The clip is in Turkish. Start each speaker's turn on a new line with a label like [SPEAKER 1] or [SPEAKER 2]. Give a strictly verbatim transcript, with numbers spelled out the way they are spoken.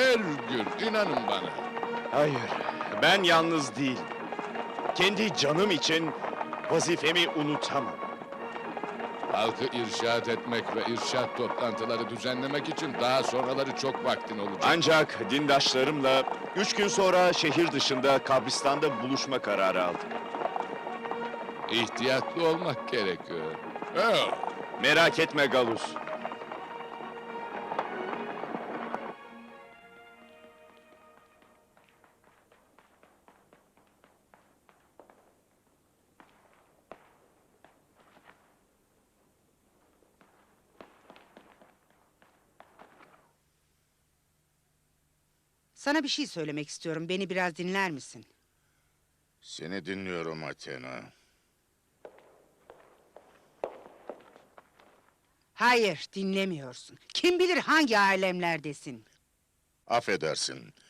[SPEAKER 1] her gün, inanın bana.
[SPEAKER 2] Hayır, ben yalnız değilim. Kendi canım için vazifemi unutamam.
[SPEAKER 1] Halkı irşad etmek ve irşad toplantıları düzenlemek için daha sonraları çok vaktin olacak.
[SPEAKER 2] Ancak dindaşlarımla üç gün sonra şehir dışında kabristanda buluşma kararı aldım.
[SPEAKER 1] İhtiyatlı olmak gerekiyor. Oh,
[SPEAKER 2] Merak etme Galus.
[SPEAKER 3] Sana bir şey söylemek istiyorum. Beni biraz dinler misin?
[SPEAKER 4] Seni dinliyorum Athena.
[SPEAKER 3] Hayır, dinlemiyorsun. Kim bilir hangi alemlerdesin?
[SPEAKER 4] Affedersin.